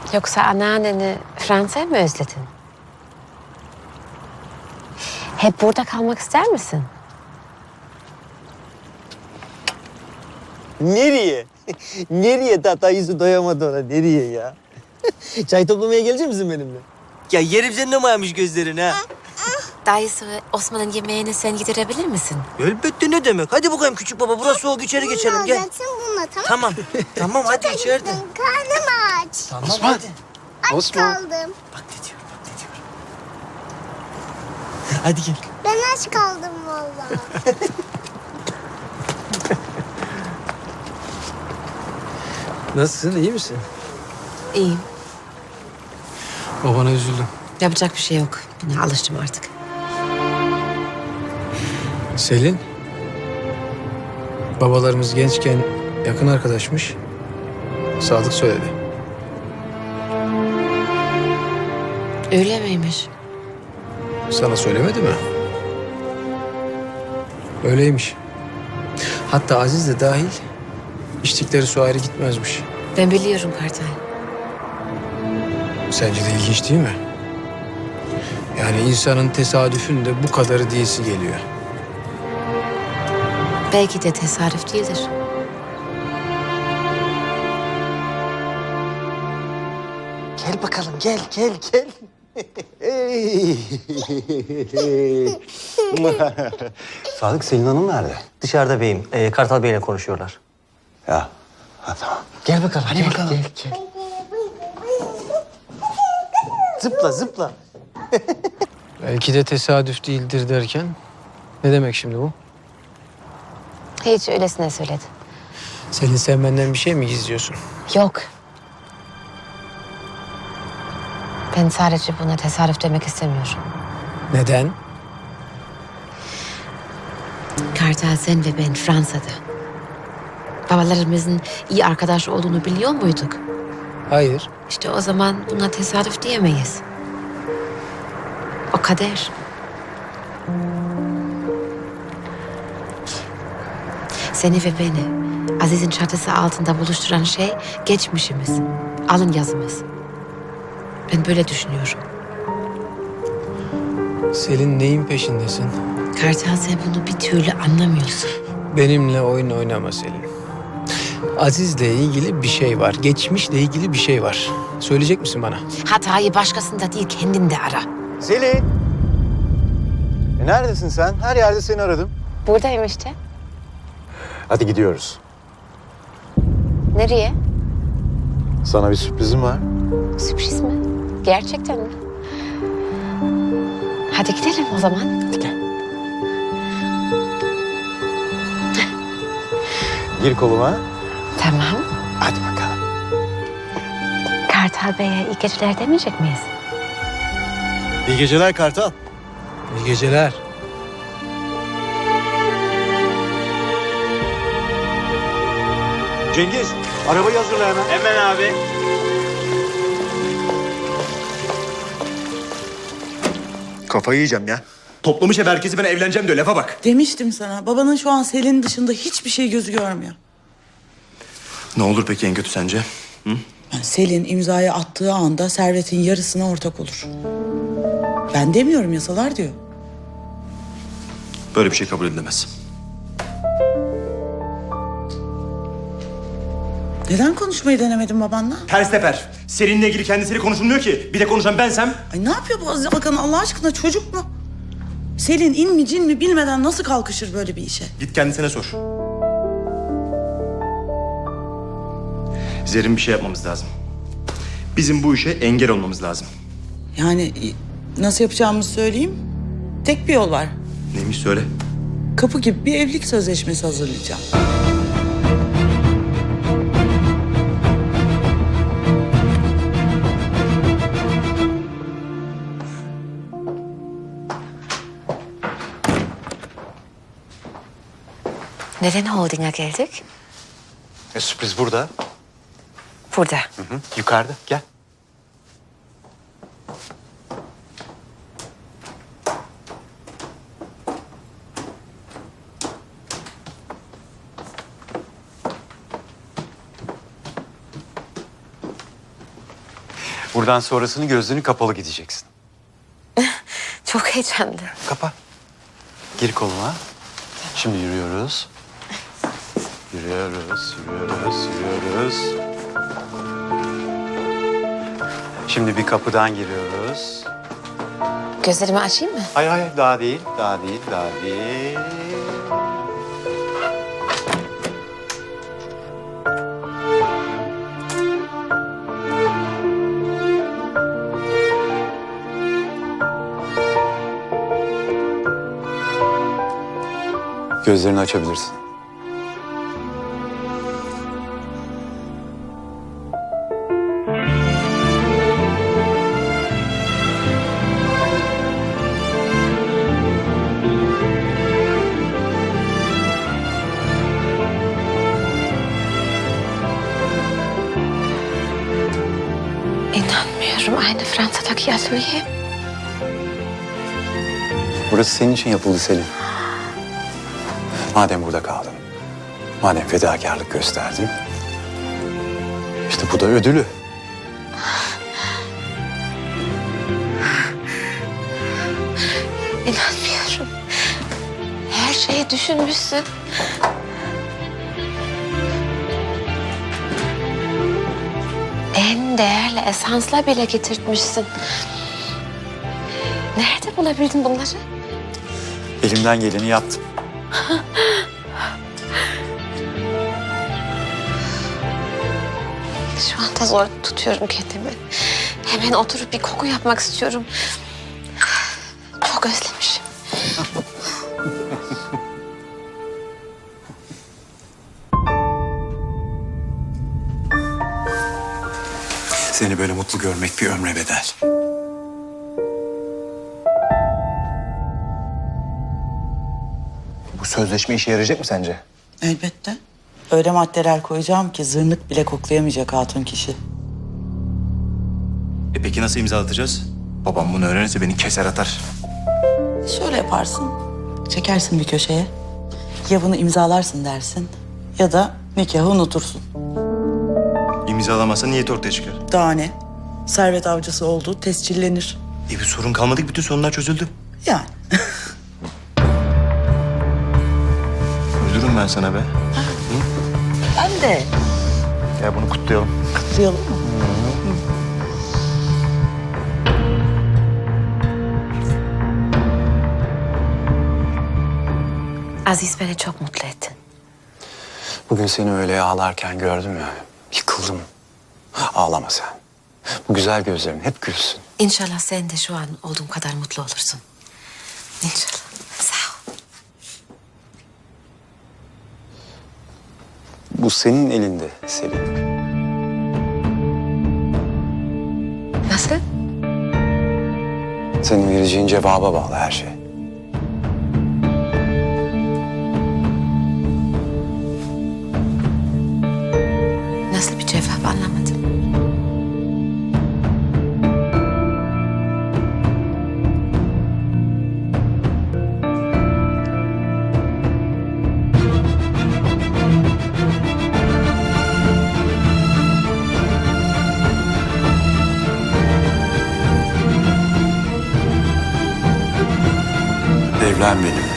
Yoksa anneanneni Fransa'ya mı özledin? Hep burada kalmak ister misin? Nereye? Nereye Tatayüzü doyamadı ona? Nereye ya? Çay toplamaya gelecek misin benimle? Ya yerim senin ama yamış gözlerini ha. Dayısı Osman'ın yemeğini sen yedirebilir misin? Elbette ne demek? Hadi bakayım küçük baba. Burası soğuk, içeri geçelim. Gel. Alacaksın bununla, tamam. Tamam hadi içeride. Karnım aç. Tamam Osman. hadi. Aç kaldım. Bak ne diyorum, bak ne diyorum. Hadi gel. Ben aç kaldım vallahi. Nasılsın, iyi misin? İyiyim. Babana üzüldüm. Yapacak bir şey yok. Buna alıştım artık. Selin, babalarımız gençken yakın arkadaşmış. Sadık söyledi. Öyle miymiş? Sana söylemedi mi? Öyleymiş. Hatta Aziz de dahil içtikleri su ayrı gitmezmiş. Ben biliyorum Kartal. Sence de ilginç değil mi? Yani insanın tesadüfün de bu kadarı diyesi geliyor. Belki de tesadüf değildir. Gel bakalım, gel, gel, gel. Sadık, Selin Hanım nerede? Dışarıda beyim. Kartal Bey'le konuşuyorlar. Ya, ha, tamam. Gel bakalım, hadi bakalım. Gel, gel. Zıpla, zıpla. Belki de tesadüf değildir derken ne demek şimdi bu? Hiç öylesine söyledi. Selin, sen benden bir şey mi gizliyorsun? Yok. Ben sadece buna tesadüf demek istemiyorum. Neden? Kartal, sen ve ben Fransa'da. Babalarımızın iyi arkadaş olduğunu biliyor muyduk? Hayır. İşte o zaman buna tesadüf diyemeyiz. O kader. Seni ve beni Aziz'in çatısı altında buluşturan şey geçmişimiz, alın yazımız. Ben böyle düşünüyorum. Selin, neyin peşindesin? Kartal, sen bunu bir türlü anlamıyorsun. Benimle oyun oynama Selin. Aziz'le ilgili bir şey var. Geçmişle ilgili bir şey var. Söyleyecek misin bana? Hatayı başkasında değil kendinde ara. Selin! Neredesin sen? Her yerde seni aradım. Buradayım işte. Hadi gidiyoruz. Nereye? Sana bir sürprizim var. Sürpriz mi? Gerçekten mi? Hadi gidelim o zaman. Hadi gel. Gir koluma. Tamam. Hadi bakalım. Kartal Bey'e iyi geceler demeyecek miyiz? İyi geceler Kartal. İyi geceler. Cengiz, arabayı hazırla hemen. Hemen abi. Kafayı yiyeceğim ya. Toplamış hep herkesi, ben evleneceğim diyor, lafa bak. Demiştim sana. Babanın şu an Selin'in dışında hiçbir şey gözü görmüyor. Ne olur peki en kötü sence? Yani Selin imzayı attığı anda servetin yarısına ortak olur. Ben demiyorum, yasalar diyor. Böyle bir şey kabul edilemez. Neden konuşmayı denemedin babanla? Ters teper. Seninle ilgili kendisiyle konuşulmuyor ki. Bir de konuşan bensem. Ay ne yapıyor bu Aziz Alkan Allah aşkına, çocuk mu? Selin in mi cin mi bilmeden nasıl kalkışır böyle bir işe? Git kendisine sor. Zerrin, bir şey yapmamız lazım. Bizim bu işe engel olmamız lazım. Yani nasıl yapacağımızı söyleyeyim. Tek bir yol var. Neymiş söyle. Kapı gibi bir evlilik sözleşmesi hazırlayacağım. Neden holdinga geldik? Sürpriz burada. Burada. Yukarıda. Gel. Buradan sonrasını gözlerini kapalı gideceksin. Çok heyecanlı. Kapa. Gir koluma. Şimdi yürüyoruz. Yürüyoruz. Şimdi bir kapıdan giriyoruz. Gözlerimi açayım mı? Hayır, daha değil. Gözlerini açabilirsin. İnanmıyorum. Aynı Fransa'daki atölye. Burası senin için yapıldı Selin. Madem burada kaldın, madem fedakarlık gösterdin, işte bu da ödülü. İnanmıyorum. Her şeyi düşünmüşsün. En değerli esansla bile getirtmişsin. Nerede bulabildin bunları? Elimden geleni yaptım. Şu anda zor tutuyorum kendimi. Hemen oturup bir koku yapmak istiyorum. Çok özlemişim. Seni böyle mutlu görmek bir ömre bedel. Bu sözleşme işe yarayacak mı sence? Elbette. Öyle maddeler koyacağım ki zırnık bile koklayamayacak hatun kişi. Peki nasıl imzalatacağız? Babam bunu öğrenirse beni keser atar. Şöyle yaparsın. Çekersin bir köşeye. Ya bunu imzalarsın dersin ya da nikahı unutursun. İmzalamazsa niyet ortaya çıkar. Daha ne? Servet avcısı olduğu tescillenir. Bir sorun kalmadı ki bütün sorunlar çözüldü. Yani. Üzülürüm ben sana be. Ben de. Ya bunu kutlayalım. Kutlayalım mı? Aziz, beni çok mutlu ettin. Bugün seni öyle ağlarken gördüm ya, yıkıldım. Ağlama sen. Bu güzel gözlerin hep gülsün. İnşallah sen de şu an olduğum kadar mutlu olursun. İnşallah. Sağ ol. Bu senin elinde Selin. Nasıl? Senin vereceğin cevaba bağlı her şey. Nasıl bir cevap anlamadım. Evlen benimle.